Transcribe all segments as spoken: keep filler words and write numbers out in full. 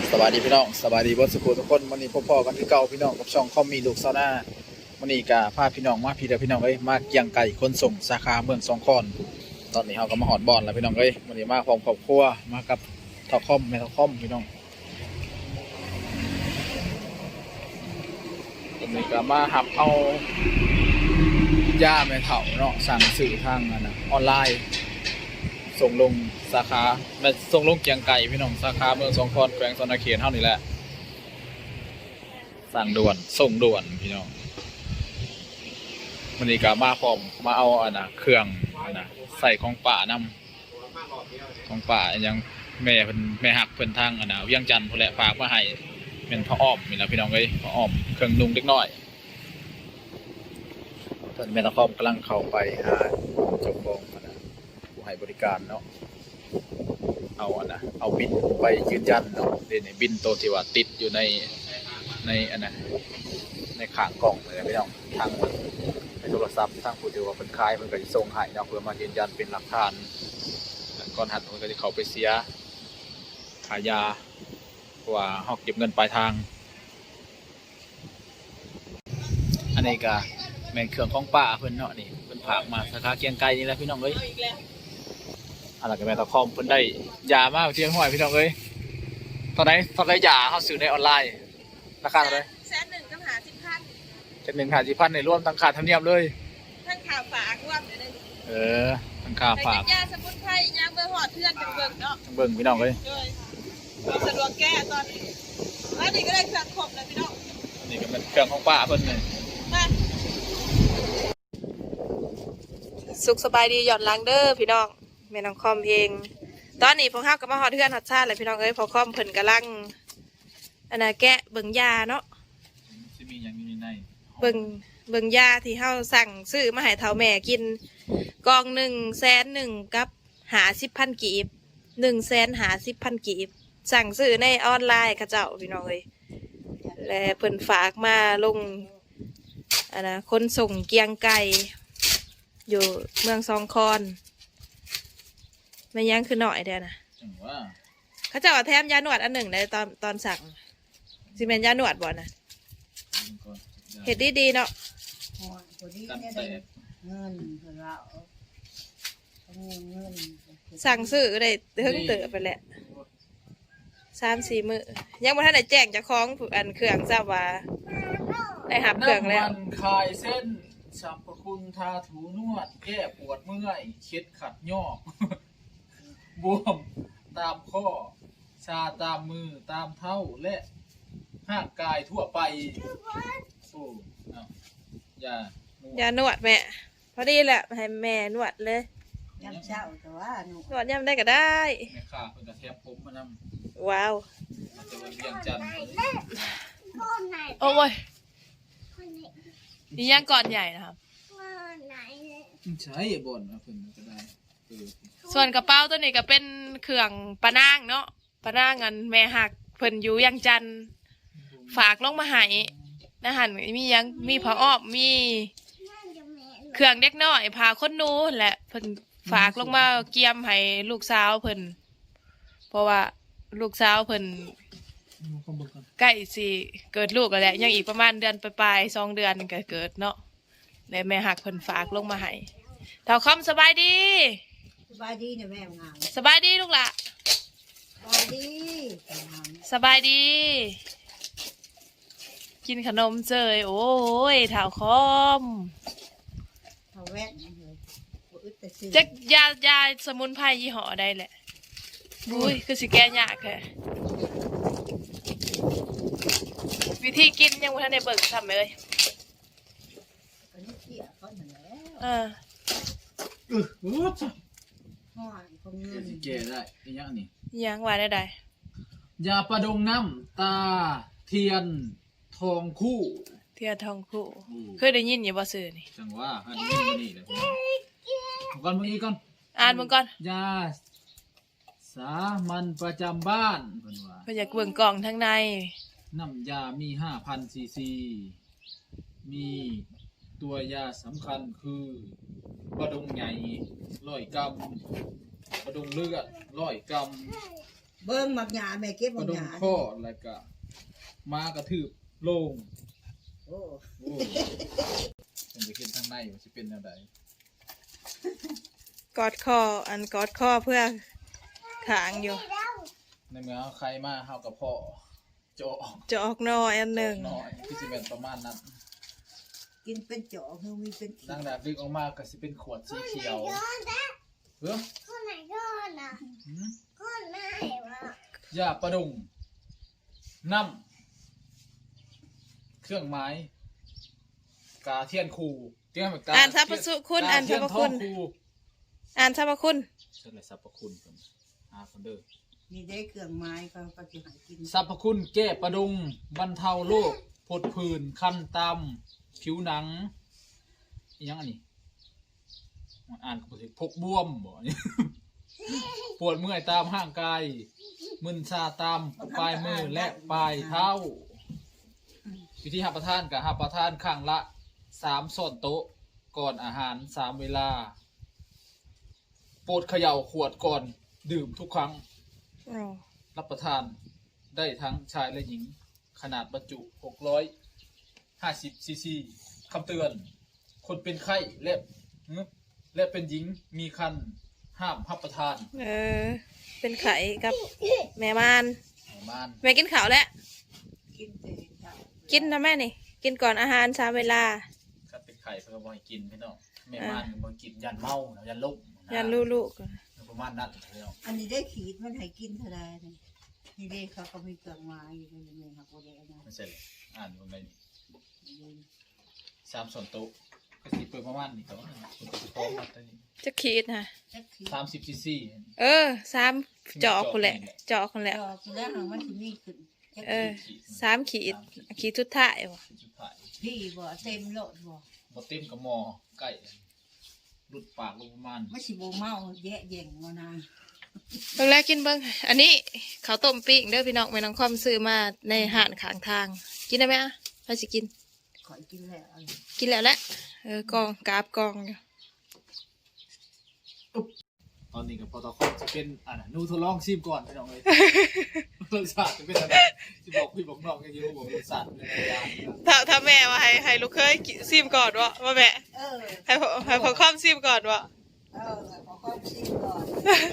สวัสดีพี่น้องสวัสดีบอสสุขุทุกคนวันนี้พ่อๆกันที่เก่าพี่น้องกับช่องคอมมีลูกซาวน่าวันนี้กาพาพี่น้องมาพี่เดียวพี่น้องเอ้ยมาเกียงไก่คนส่งสาขาเมืองสองคอนตอนนี้เราก็มาหอดบอลแล้วพี่น้องเอ้ยวันนี้มาพร้อมครอบครัวมากับทอคอมแม่ทอคอมพี่น้องวันนี้ก็มาหับเอาย่าแม่เฒ่าเนาะสั่งสื่อทางนะออนไลน์ส่งลงสาขาแม่ส่งลงเกียงไก่พี่น้องสาขาเมืองสองคอนแขวงสนเขตเท่านี้แหละสั่งด่วนส่งด่วนพี่น้องวันนี้ก็มาพร้อมมาเอาอันนะเครื่องอันนะใส่ของป่านำของป่ายังแม่เพิ่นแม่หักเพิ่นทางอันนะเวียงจันทน์พุ่นแหละฝากมาให้เป็นผ้าอ้อมนี่แหละพี่น้องเอ้ยผ้าอ้อมเครื่องนุ่งเล็กน้อยตอนแม่ตะคอมกำลังเข้าไปหาเจ้าของอันนะผู้ให้บริการเนาะเอาอันนะเอาบินไปยืนยันเนาะเดี๋ยวนี้บินโตที่ว่าติดอยู่ในในอันนะในข้างกล่องเลยพี่น้องทางในโทรศัพท์ทางผู้ที่ว่าเป็นคายมันก็จะส่งให้เนาะเพื่อมายืนยันเป็นหลักฐานก่อนหันมันก็จะเข้าไปเสียขายยาเพราะว่าเขาเก็บเงินปลายทางอันนี้ก็แม่นเครื่องของป้าเพิ่นเนาะนี่เพิ่นผากมาสาขาเกียงไกรนี่แหละพี่น้องเอ้ยอะไรกับแม่ตะคอมเพิ่นได้ยามากเที่ยงห้อยพี่น้องเอ้ยตอนไหนตอนไหนยาเขาซื้อในออนไลน์ราคาเท่าไหร่แสนหนึ่งกับหาสิบพันเจ็ดหนึ่งหาสิบพันในรวมทั้งขาดธรรมเนียมเลยทั้งข่าวฝากรวมเลยเออทั้งค่าฝากยาสมุนไพรยาเบอร์หอดเพื่อนจังเบิ่งเนาะจังเบิ่งพี่น้องเลยสะดวกแก้ตอนนี้แล้วนี่ก็ได้เครื่องครบเลยพี่น้องนี่ก็เป็นเครื่องของป้าเพิ่นเลยสุขสบายดีหย่อนล้างเด้อพี่น้องแม่น้องคอมเองตอนนี้พวกข้าวกับมาหอดเพื่อนหอดชาติเลยพี่น้องเอ้ยพอคอมเพิ่นกำลังอันน่ะแกะเบิ่งยาเนาะสิมีอย่างอยู่ในเบิ่งเบิ่งยาที่เฮาสั่งซื้อมาให้เฒ่าแม่กินกองหนึ่งแสนหนึ่งกับหาสิบพันกีบหนึ่งแสนหาสิบพันกีบสั่งซื้อในออนไลน์ข้าเจ้าพี่น้องเลยและเพิ่นฝากมาลงอันนะคนส่งเกียงไก่อยู่เมืองสองคอนไม่ยั้งคือหน่อยเดียวนะข้าเจ้าแถมยาหนวดอันหนึ่งในตอนตอนสั่งซีเมนยาหนวดบ่นะเห็ดดีๆเนาะสั่งซื้อได้เพิ่งเติบไปแหละสามสี่มือยังบ่ทันได้แจ้งจะคล้องอันเครื่องทราบว่าได้หับเครื่องแล้วคลายเส้นสรรพคุณทาถูนวดแก้ปวดเมื่อยเช็ดขัดยอกบวมตามข้อชาตามมือตามเท้าและห่างกายทั่วไปโอ้เอายายานวดแม่พอดีแหละให้แม่นวดเลยยำเช้าแต่ว่านวดยำได้ก็ได้แม่ข้าเพิ่นก็แทบผมมานำว้าวมันจะเป็นเวียงจันทน์โอ้ยนี่ย่างก่อนใหญ่นะครับใช่บ่นนะเพิ่นก็ได้ส่วนกระเป๋าตัวนี้ก็เป็นเครื่องปะนางเนาะปะนางอันแม่หักเพิ่นอยู่ยังจันฝากลงมาให้นะหันมียังมีผ้าอ้อมมีเครื่องเด็กน้อยผ้าคนนูแหละเพิ่นฝากลงมาเกี่ยมให้ลูกสาวเพิ่นเพราะว่าลูกสาวเพิ่นใกล้สิเกิดลูกแล้วแหละยังอีกประมาณเดือนปลายๆสองเดือนก็เกิดเนาะแล้วแม่หักเพิ่นฝากลงมาให้เท่าคอมสบายดีสบายดีเนี่ยแม่งามสบายดีลูกหล่ะสบายดีสบายดีกินขนมเจยโอ้ยเท่าคอมเท่าแว่นจะยายาสมุนไพรยี่ห้อใดแหละอุ้ยคือสิแก้ยากแค่วิธีกินยังไม่ทันได้เบิกทำเลยเออเออโอ้จ้ะแก่ได้ยังนี่ยังว่าได้ได้ยาประดงน้ำตาเทียนทองคู่เทียนทองคู่เคยได้ยินอยู่บ่ซื้อนี่จังว่าอันนี้นี่แหละก่อนเมื่อกี้ก่อนอ่านมึงก่อนยาสามัญประจำบ้านเพิ่นว่าเพิ่นอยากเบิ่งกล่องทั้งในน้ำยามีห้าพันซีซีมีตัวยาสำคัญคือบะดงใหญ่ร้อยกรัมบะดงเลือดร้อยกรัมเบิ้งมักหยาแม่เก็บกมัระกดหงยาข้อแล้วก็มากระทืบโลงโอ้โอ้ผมจะเห็นทางในว่าสิเป็นแนวใดกอดคออันกอดคอเพื่อขางอยู่ในเมื่อใครมาเฮากับพ่อโจะออกจะออกน้อยอันหนึ่งน้อยคือสิเป็นประมาณนั้นกินเป็นเจาะคือมีเป็นขีนางดาบดึกออกมาก็สิเป็นขวดสีเขียวเฮ้อคนไหนก่อนอ่ะหืมคนไหนวะยาประดุงน้ำเครื่องไม้กาเทียนคูเทียนกาอ่านสรรพคุณอ่านสรรพคุณกาเทียนทองอ่านสรรพคุณใช่เลยสรรพคุณเพิ่นอ่าเพิ่นเด้อมีได้เครื่องไม้ก็ก็จะหากินสรรพคุณแก้ประดุงบรรเทาโรคผดผื่นคันตำผิวหนังอีหยังอันนี้อ่านก็บ่ถูกพกบวมบ่ ปวดเมื่อยตามห่างกายมึนชาตามปลายมือและปลายเท้า วิธีหับประทานกับหับประทานข้างละสามส่วนโต๊ะก่อนอาหารสามเวลาโปรดเขย่าขวดก่อนดื่มทุกครั้งอ๋อรับประทานได้ทั้งชายและหญิง ขนาดบรรจุ หกร้อยห้าสิบ ซีซีคำเตือน คนเป็นไข้และและเป็นหญิงมีคันห้ามรับประทานเออ เป็นไข่กับแม่มานประมาณแม่กินข้าวแล้วกินแต่เจ้ากินนะแม่นี่ กินก่อนอาหารสามเวลาถ้าเป็นไข้เพื่อบ่ให้กินพี่น้องแม่ม่านก็บ่ให้กินยันเมายันลมะยันลูลูกประมาณนั้นพี่น้องอันนี้ได้ขีดมันให้กินเท่าไรนี่นี่เด้เขาก็มีเครื่องไม้อยู่ในนี้ครับบ่ได้อันนั้นไม่ใช่เลยอ่านอยู่ในนี้สามส่วนโต๊ะก็สิเปิดประมาณนี้แต่ว่าคุณจะพร้อมมาตอนนี้จะขีดนะจักขีดสามสิบซีซีเออสามจอกคนแหละ จอกคนแหละจอกแล้วมันสิมีขึ้นจักเอขีอดสามขีด ขีดทุดท้ายวะสุดท้ายพี่บ่เต็มโลดบ่บ่เต็มกับหมอไก่รุดปากลงประมาณไม่สิบ่เมาแยะแย่งบ่นะเบิ่งแล้วกินเบิ่งอันนี้ข้าวต้มปิ้งเด้อพี่น้องแม่น้องคอมซื้อมาในห้านข้างทาง กินได้ไหมอ่ะไปสิกินขอยกินแล้วกินแล้วแหละเออกองกราบกองอยู่ตอนนี้กับปตคจะเป็นอ่านะนูทดลองชิมก่อนพี่น้องเลยรสชาติจะเป็นอะไรที่บอกพี่บอกน้องกันอยู่บอกรสชาติเป็นอะไรอย่างนี้ถ้าถ้าแม่ว่าให้ให้ลูกเคยกินซิมก่อนวะว่าแม่เออให้พ่อให้พ่อคอมซิมก่อนวะเออขอข้อชิมก่อน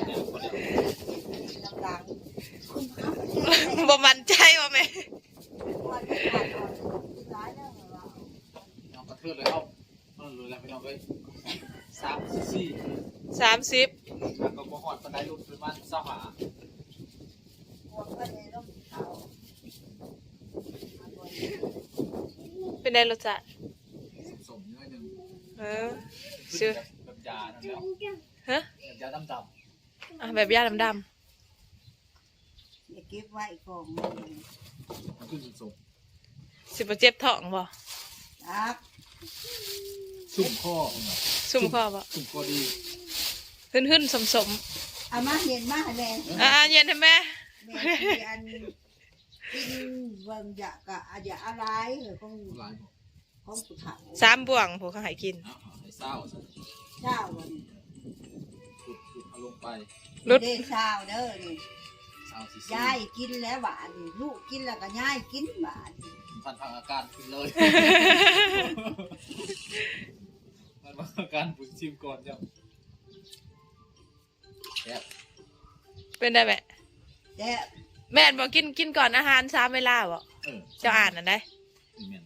น้ำหลังคุณพระประเทศบ่มั่นใจว่าแม่วันที่ผ่านมาที่ร้ายแล้วเหรอน้องกระเทือนเลยเอาเอาเลยแล้วพี่น้องเลยสามซีซีสามสิบแล้วก็บ่ฮอดปานใดรุ่นประมาณเศร้าหาพวกก็เลยต้องเขาเป็นไงรสชาติสมๆนิดนึงเออชื่อแบบยานั่นแล้วฮะแบบยาดำอ่ะแบบย่าดำอย่าเก็บไว้ก่อนๆมันขึ้นสมๆสิบเจ็บท้องบ่ครับๆสุ่มข้อเนาะซุ่มคอบ่สุ่มข้อดีหึ่นหึ่นสมสมเอามาเห็นมาแม่ๆอ่ะเย็นให้แม่แม่ที่อันกินเบิ่งอยากะอาจจะอะไรเหรอของหลายบ่ของสุขาวสามบ่วงผู้เขาให้กินเอาเอาให้เศร้าซะเช้าวันขุดขุดเอาลงไปรุดเด้เช้าเด้อนี่เศร้าซีซียายกินแล้วบาดนี่ลูกกินแล้วก็ยายกินบาดนี่พันทางอาการขึ้นเลย มันมาอาการปุ๋ยชิมก่อนจ้ะแซ่บเป็นได้แม่แต่แม่นบอกกินกินก่อนอาหารสามเวลาบ่เออเจ้าอ่านอันได้นี่แม่น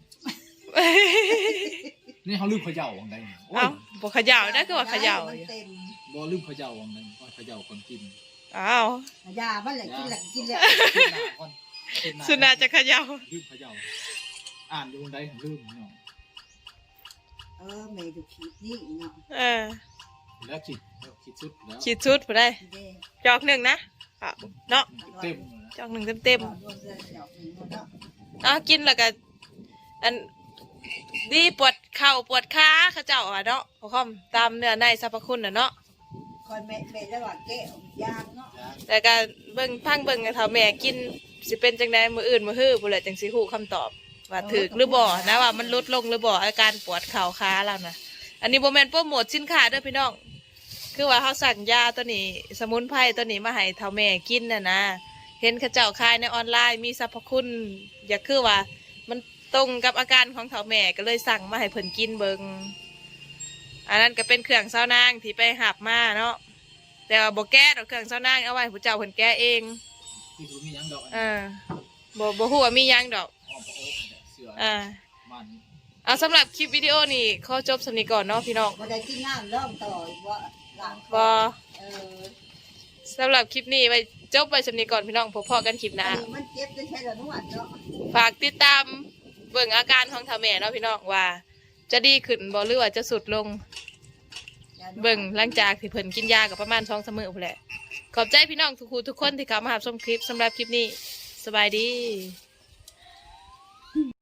นี่เขาลืมเขย่าวังใดเนี่ยโอ้ยเอ้าบ่เขย่าได้คือว่าเขย่ามันเต็มบ่ลืมเขย่าวังใดว่าเขย่าก่อนกินอ้าวยามันแหละกินแล้วก็กินแล้วกินหน้าก่อนกินหสุนาจะเขย่าลืมเขย่าอ่านอยู่วังใดผมลืมเนาะเออแม่ดูขีดนี่เนาะเออแล้วคิดแล้วคิดสุดแล้วขีดชุดผู้ได้เด้จอกหนึ่งนะอ่ะเนาะเต็มเลยนะจอกหนึ่งเต็มเต็มรวมเดือนดอกหนึ่งเนาะๆอ่ะกินแล้วก็อันดีปวดเข่าปวดขาเขาเจ้าอ่ะเนาะพอคอมตามเนื้อในสรรพคุณน่ะเนาะคอยแม่แม่ระหว่างแก้วยางเนาะแต่ก็เบิ่งพังเบิ่งให้เฒ่าแม่กินสิเป็นจังไดมื้ออื่นมื้อฮื้อพุ่นแหละจังสิฮู้คำตอบ ว่าถูกหรือบ่นะว่ามันลดลงหรือบ่อาการปวดเข่าขาแล้วนะอันนี้บ่แม่นโปรโมทสินค้าเด้อพี่น้องคือว่าเขาสั่งยาตัวนี้ สมุนไพรตัวนี้มาให้เฒ่าแม่กินน่ะนะเห็นเขาเจ้าขายในออนไลน์มีสรรพคุณอยากคือว่ามันตรงกับอาการของเฒ่าแม่ก็เลยสั่งมาให้เพิ่นกินเบิงอันนั้นก็เป็นเครื่องเช้านางที่ไปหับมาเนาะแต่ว่าบ่แก้ดอกเครื่องเช้านางเอาไว้ผู้เจ้าเพิ่นแก้เองคือบ่มีหยังดอกอันอ่านี้บ่บ่ฮู้ว่ามีหยังดอกอ้อมพระโอ๊คเนี่ยเสืออ่ามันเอาสำหรับคลิปวิดีโอนี่ขอจบสำนี้ก่อนเนาะพี่น้องบ่ได้กินน้ำร่องต่อว่าหลังบ่เออสำหรับคลิปนี้ไว้จบไปสำนี้ก่อนพี่น้องพบพอกันคลิปหน้ามันเจ็บจะใช้ละนวดเนาะฝากติดตามเบิ่งอาการของเฒ่าแม่เนาะพี่น้องว่า จะดีขึ้นบ่หรือว่าจะสุดลง เบิ่งหลังจากที่เพิ่นกินยากับประมาณสองสามมื้อพู้นแหละขอบใจพี่น้องทุกคู่ทุกคนที่เข้ามารับชมคลิปสำหรับคลิปนี้สบายดี